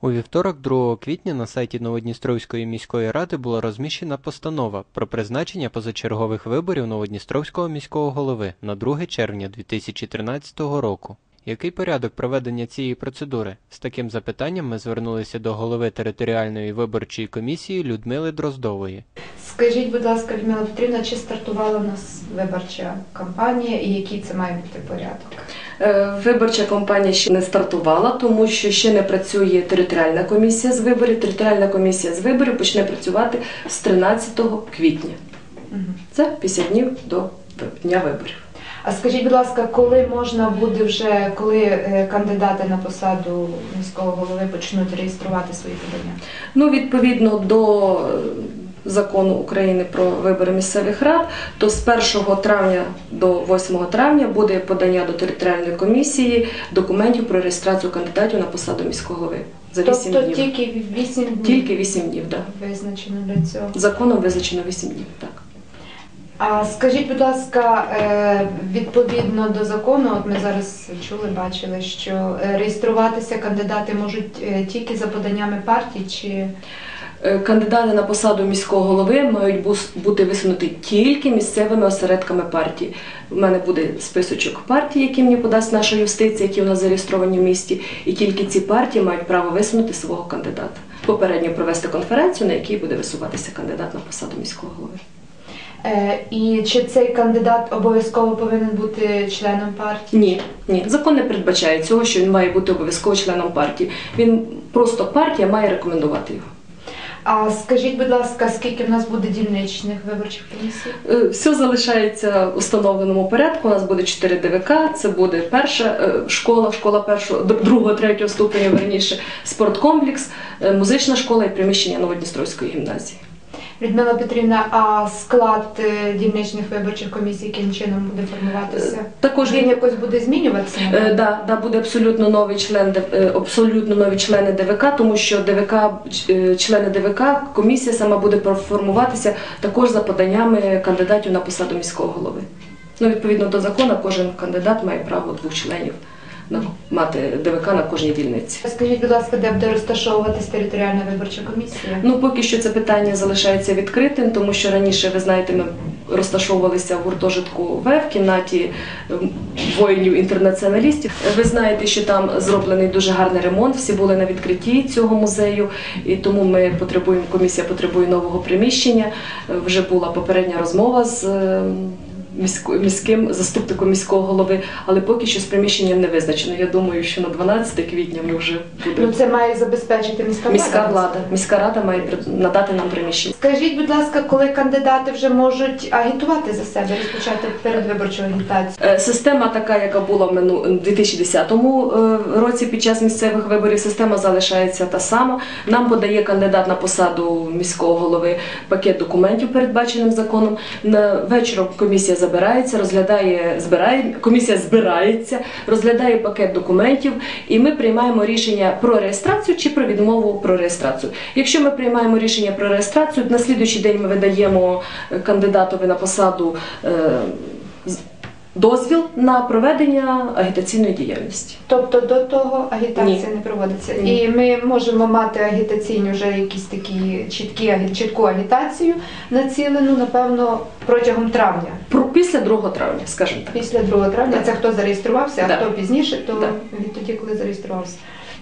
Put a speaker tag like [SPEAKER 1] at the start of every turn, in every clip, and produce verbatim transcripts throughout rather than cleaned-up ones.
[SPEAKER 1] У вівторок, другого квітня, на сайті Новодністровської міської ради була розміщена постанова про призначення позачергових виборів Новодністровського міського голови на друге червня дві тисячі тринадцятого року. Який порядок проведення цієї процедури? З таким запитанням ми звернулися до голови територіальної виборчої комісії Людмили Дроздової.
[SPEAKER 2] Скажіть, будь ласка, Людмила Петрівна, чи стартувала у нас виборча кампанія і який це має бути порядок?
[SPEAKER 3] Виборча кампанія ще не стартувала, тому що ще не працює територіальна комісія з виборів. Територіальна комісія з виборів почне працювати з тринадцятого квітня. Угу. Це п'ятдесят днів до дня виборів.
[SPEAKER 2] А скажіть, будь ласка, коли можна буде вже, коли кандидати на посаду міського голови почнуть реєструвати свої подання?
[SPEAKER 3] Ну, відповідно до Закону України про вибори місцевих рад, то з першого травня до восьмого травня буде подання до територіальної комісії документів про реєстрацію кандидатів на посаду міського голови. За вісім
[SPEAKER 2] тобто
[SPEAKER 3] днів.
[SPEAKER 2] тільки вісім днів?
[SPEAKER 3] Тільки вісім днів, так.
[SPEAKER 2] Да. Визначено для цього?
[SPEAKER 3] Законом визначено вісім днів, так.
[SPEAKER 2] А скажіть, будь ласка, відповідно до закону, от ми зараз чули, бачили, що реєструватися кандидати можуть тільки за поданнями партій, чи...
[SPEAKER 3] Кандидати на посаду міського голови мають бути висунуті тільки місцевими осередками партії. У мене буде списочок партій, які мені подасть наша юстиція, які у нас зареєстровані в місті, і тільки ці партії мають право висунути свого кандидата. Попередньо провести конференцію, на якій буде висуватися кандидат на посаду міського голови.
[SPEAKER 2] І чи цей кандидат обов'язково повинен бути членом партії?
[SPEAKER 3] Ні, ні. Закон не передбачає цього, що він має бути обов'язково членом партії. Він просто партія має рекомендувати його.
[SPEAKER 2] А скажіть, будь ласка, скільки в нас буде дільничних виборчих комісій?
[SPEAKER 3] Все залишається в установленому порядку. У нас буде чотири Д В К, це буде перша школа, школа першого, другого, третього ступеня, верніше, спорткомплекс, музична школа і приміщення Новодністровської гімназії.
[SPEAKER 2] Людмила Петрівна, а склад дільничних виборчих комісій яким чином буде формуватися?
[SPEAKER 3] Також
[SPEAKER 2] він якось буде змінюватися?
[SPEAKER 3] Так, да, да, буде абсолютно новий член, абсолютно нові члени Д В К, тому що Д В К, члени Д В К, комісія сама буде формуватися також за поданнями кандидатів на посаду міського голови. Ну, відповідно до закону, кожен кандидат має право двох членів мати Д В К на кожній дільниці.
[SPEAKER 2] Скажіть, будь ласка, де буде розташовуватись територіальна виборча комісія?
[SPEAKER 3] Ну, поки що це питання залишається відкритим, тому що раніше, ви знаєте, ми розташовувалися в гуртожитку В, в кімнаті воїнів-інтернаціоналістів. Ви знаєте, що там зроблений дуже гарний ремонт, всі були на відкритті цього музею, і тому ми потребуємо, комісія потребує нового приміщення. Вже була попередня розмова з міським заступником міського голови, але поки що з приміщенням не визначено. Я думаю, що на дванадцяте квітня ми вже будемо.
[SPEAKER 2] Ну, це має забезпечити міська влада?
[SPEAKER 3] Міська влада. Міська рада має надати нам приміщення.
[SPEAKER 2] Скажіть, будь ласка, коли кандидати вже можуть агітувати за себе, розпочати передвиборчу агітацію?
[SPEAKER 3] Система така, яка була в дві тисячі десятому році під час місцевих виборів, система залишається та сама. Нам подає кандидат на посаду міського голови пакет документів, передбаченим законом. Вечором комісія забирається, розглядає, збирає, комісія збирається, розглядає пакет документів, і ми приймаємо рішення про реєстрацію чи про відмову про реєстрацію. Якщо ми приймаємо рішення про реєстрацію, на слідуючий день ми видаємо кандидатові на посаду е, дозвіл на проведення агітаційної діяльності.
[SPEAKER 2] Тобто до того агітація
[SPEAKER 3] Ні.
[SPEAKER 2] не проводиться?
[SPEAKER 3] Ні.
[SPEAKER 2] І ми можемо мати агітаційні вже якісь такі чіткі, чітку агітацію націлену, напевно, протягом травня?
[SPEAKER 3] Після другого травня, скажімо так.
[SPEAKER 2] Після другого травня?
[SPEAKER 3] Так.
[SPEAKER 2] Це хто зареєструвався, а
[SPEAKER 3] Так.
[SPEAKER 2] хто пізніше, то
[SPEAKER 3] Так.
[SPEAKER 2] відтоді, коли зареєструвався.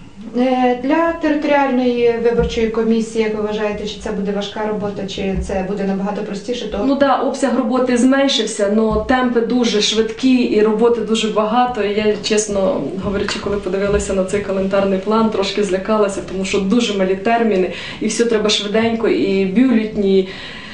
[SPEAKER 2] Для територіальної виборчої комісії, як ви вважаєте, чи це буде важка робота, чи це буде набагато простіше? То...
[SPEAKER 3] Ну так, да, обсяг роботи зменшився, але темпи дуже швидкі і роботи дуже багато. І я, чесно говорячи, коли подивилася на цей календарний план, трошки злякалася, тому що дуже малі терміни, і все треба швиденько, і бюлетні,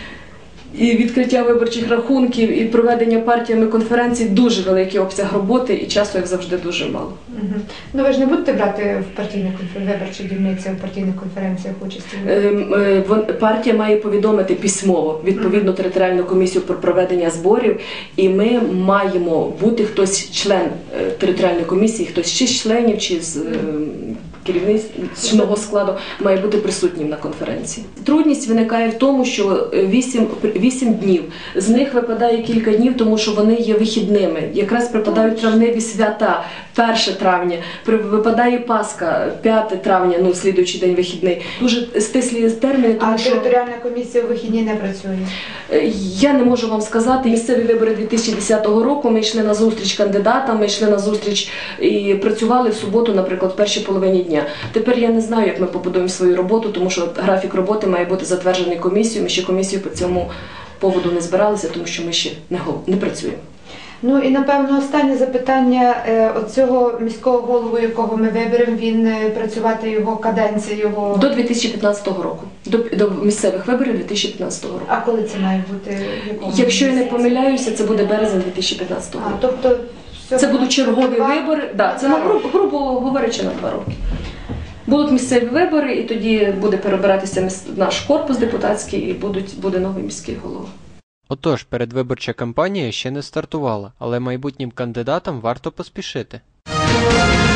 [SPEAKER 3] і відкриття виборчих рахунків, і проведення партіями конференцій, дуже великий обсяг роботи, і часу, як завжди, дуже мало.
[SPEAKER 2] Угу. Ну ви ж не будете брати в партійних виборчих дільницях, в партійних конференціях участі?
[SPEAKER 3] Партія має повідомити письмово відповідну територіальну комісію про проведення зборів, і ми маємо бути хтось член територіальної комісії, хтось чи з членів, чи з керівничного складу має бути присутнім на конференції. Трудність виникає в тому, що вісім днів, з них випадає кілька днів, тому що вони є вихідними. Якраз припадають травневі свята, перше травня, випадає Пасха, п'яте травня, ну, слідуючий день вихідний. Дуже стислі терміни, тому
[SPEAKER 2] А
[SPEAKER 3] що...
[SPEAKER 2] територіальна комісія у вихідні не працює?
[SPEAKER 3] Я не можу вам сказати. Місцеві вибори дві тисячі десятого року, ми йшли на зустріч кандидатам, ми йшли на зустріч і працювали в суботу, наприклад, в першій половині дня. Тепер я не знаю, як ми побудуємо свою роботу, тому що графік роботи має бути затверджений комісією. Ми ще комісію по цьому поводу не збиралися, тому що ми ще не, не працюємо.
[SPEAKER 2] Ну і, напевно, останнє запитання. Оцього міського голову, якого ми виберемо, він працювати його каденція, його...
[SPEAKER 3] До дві тисячі п'ятнадцятого року, до, до місцевих виборів дві тисячі п'ятнадцятого року.
[SPEAKER 2] А коли це має бути?
[SPEAKER 3] Якщо я не помиляюся, це буде березень дві тисячі п'ятнадцятого року.
[SPEAKER 2] А, тобто...
[SPEAKER 3] Це будуть чергові два... вибори, да, це, на, грубо, грубо говорячи, на два роки. Будуть місцеві вибори, і тоді буде перебиратися наш корпус депутатський, і будуть, буде новий міський голова.
[SPEAKER 1] Отож, передвиборча кампанія ще не стартувала, але майбутнім кандидатам варто поспішити.